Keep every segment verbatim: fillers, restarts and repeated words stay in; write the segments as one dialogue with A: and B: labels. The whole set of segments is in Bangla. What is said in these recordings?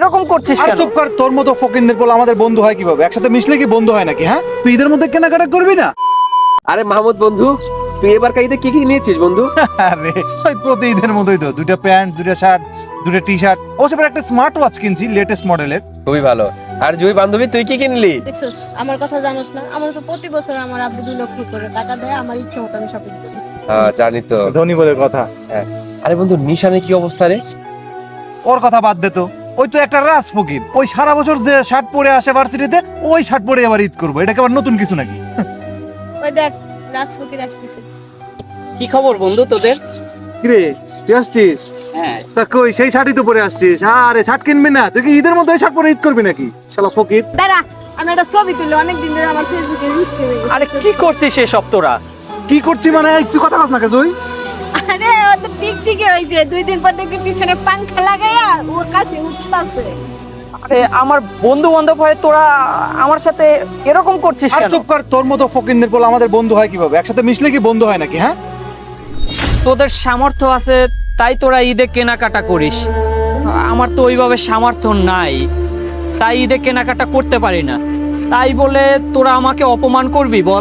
A: এরকম করছিস
B: আর
A: কেন?
B: চুপ কর, তোর মতো ফকিন্দের বলে আমাদের বন্ধু হয় কিভাবে? একসাথে মিশলে কি বন্ধু হয় নাকি? হ্যাঁ, তুই ঈদের মধ্যে কেনাকাটা করবি না?
C: আরে মাহমুদ বন্ধু, তুই এবার ঈদে কি কি নিয়েছিস বন্ধু?
B: আরে ওই প্রতি ঈদের মতোই তো, দুইটা প্যান্ট, দুইটা শার্ট, দুইটা টি শার্ট, অবশ্য এবার একটা স্মার্ট ওয়াচ কিনছি লেটেস্ট মডেলের।
C: খুবই ভালো। আর জুই বান্ধবী, তুই কি কিনলি?
D: দেখছস আমার কথা জানোস না? আমার তো প্রতি বছর আমার আব্বু দুই লক্ষ করে টাকা দেয়, আমার ইচ্ছে মতো আমি শপিং করি।
C: হ্যাঁ জানি তো।
B: ধনী বলে কথা।
C: হ্যাঁ। আরে বন্ধু, নিশানের কি অবস্থা রে?
B: ওর কথা বাদ দে তো, ওই তো একটা রাজ ফকির, ওই সারা বছর যে শার্ট পরে আসে ভার্সিটিতে, ওই শার্ট পরে আবার ঈদ করবো, এটা কি আবার নতুন কিছু নাকি?
D: ওই দেখ রাজ ফকির আসতেছে।
A: কি খবর বন্ধু তোদের?
B: কিরে তুই আসছিস?
A: হ্যাঁ,
B: তা কই সেই শার্টই তো পরে আসছিস। আরে শার্ট কিনবি না? তুই কি ঈদের মধ্যে এই শার্ট পরে ঈদ করবি নাকি শালা ফকির?
D: দাঁড়া, আমি একটা ছবি তুলি, অনেক দিন ধরে আমার ফেসবুকে রিলস করে গেছে।
A: আরে কি করছিস এসব তোরা?
B: কি করছি মানে? এই তুই কথা কস না কেজই?
D: আরে ও তো ঠিক ঠিকই হয়েছে, দুই দিন পর দেখবি পিছনে পাংখা লাগাইয়া ওর কাছে উঠতাছে।
A: আরে আমার বন্ধু বান্ধব হয়ে তোরা আমার সাথে এরকম করছিস
B: আর
A: কেন?
B: চুপ কর, তোর মতো ফকিন্দের বলে আমাদের বন্ধু হয় কিভাবে? একসাথে মিশলে কি বন্ধু হয় নাকি? হ্যাঁ,
A: তোদের সামর্থ্য আছে তাই তোরা ঈদে কেনাকাটা করিস, আমার তো ওইভাবে সামর্থ্য নাই, তাই ঈদে কেনাকাটা করতে পারি না। তাই বলে তোরা আমাকে অপমান করবি বল?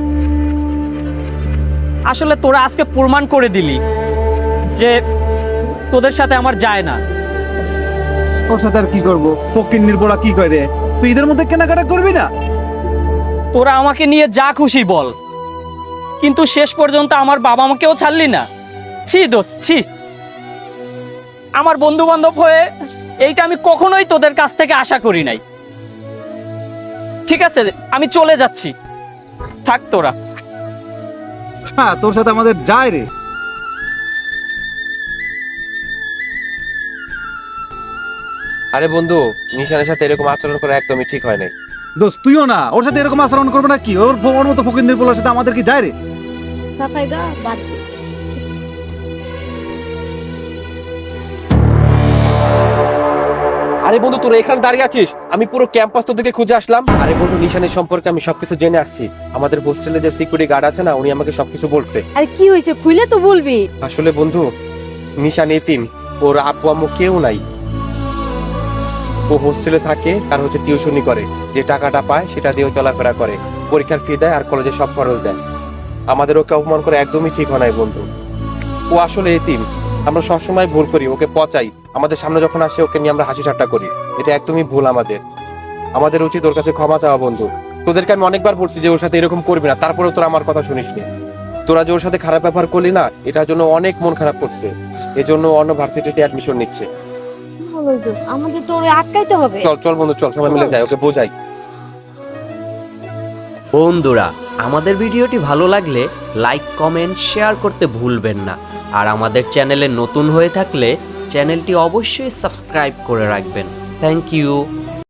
A: আসলে তোরা আজকে প্রমাণ করে দিলি যে তোদের সাথে আমার যায় না।
B: তোর সাথে আর কি করবো? ফকিন্নির বলা কি করে? তুই ঈদের মধ্যে কেনাকাটা করবি না?
A: তোরা আমাকে নিয়ে যা খুশি বল, কিন্তু শেষ পর্যন্ত আমার বাবা মাকেও ছাড়লি না। ছি দোস্ত, ছি। আমার বন্ধু বান্ধব হয়ে এইটা আমি কখনোই তোদের কাছ থেকে আশা করি নাই। ঠিক আছে, আমি চলে যাচ্ছি, থাক তোরা।
B: হ্যাঁ, তোর সাথে আমাদের যায় রে।
C: আরে বন্ধু, নিশানের সাথে এরকম আচরণ করা একদমই ঠিক হয় নাই।
B: দোস্ত তুইও না ওর সাথে এরকম আচরণ করবে না কি? ওর ওর মতো ফকিন্দের বলার সাথে আমাদের কি যায় রে?
D: সাফাই দা বাদ দে।
C: আরে বন্ধু, তোরা এখানে দাঁড়িয়ে আছিস, আমি পুরো ক্যাম্পাস তো দিকে খুঁজে আসলাম। আরে বন্ধু, নিশানের সম্পর্কে আমি সবকিছু জেনে আসছি। আমাদের হোস্টেলে যে সিকিউরিটি গার্ড আছে না, উনি আমাকে সবকিছু বলছে।
D: আরে কি হয়েছে খুলে তো বলবি।
C: আসলে বন্ধু, নিশান এতিম, ওর আব্বু আম্মু কেউ নাই। ও হোস্টেলে থাকে, আর হচ্ছে টিউশনি করে, যে টাকাটা পায় সেটা দিয়ে চলাফেরা করে, পরীক্ষার ফি দেয় আর কলেজে সব খরচ দেয়। আমাদের ওকে অপমান করে একদমই ঠিক হয় নাই বন্ধু। ও আসলে এতিম, আমরা সবসময় ভুল করি, ওকে পচাই, আমাদের সামনে যখন আসে ওকে নিয়ে আমরা হাসি ঠাট্টা করি। এটা একদমই ভুল আমাদের। আমাদের উচিত ওর কাছে ক্ষমা চাওয়া বন্ধু। তোদেরকে আমি অনেকবার বলছি যে ওর সাথে এরকম করবি না, তারপরেও তোরা আমার কথা শুনিসনি। তোরা যে ওর সাথে খারাপ ব্যবহার করলি না, এটার জন্য অনেক মন খারাপ করছে। এজন্য অন্য ভার্সিটিতে অ্যাডমিশন নিচ্ছে।
D: হলো দোস্ত, আমাদের তো ওরে আটকাইতে হবে।
C: চল চল বন্ধু, চল সবাই মিলে যাই, ওকে বোঝাই।
E: বন্ধুরা, আমাদের ভিডিওটি ভালো লাগলে লাইক কমেন্ট শেয়ার করতে ভুলবেন না। আর আমাদের চ্যানেলে নতুন হয়ে থাকলে চ্যানেলটি অবশ্যই সাবস্ক্রাইব করে রাখবেন। Thank you.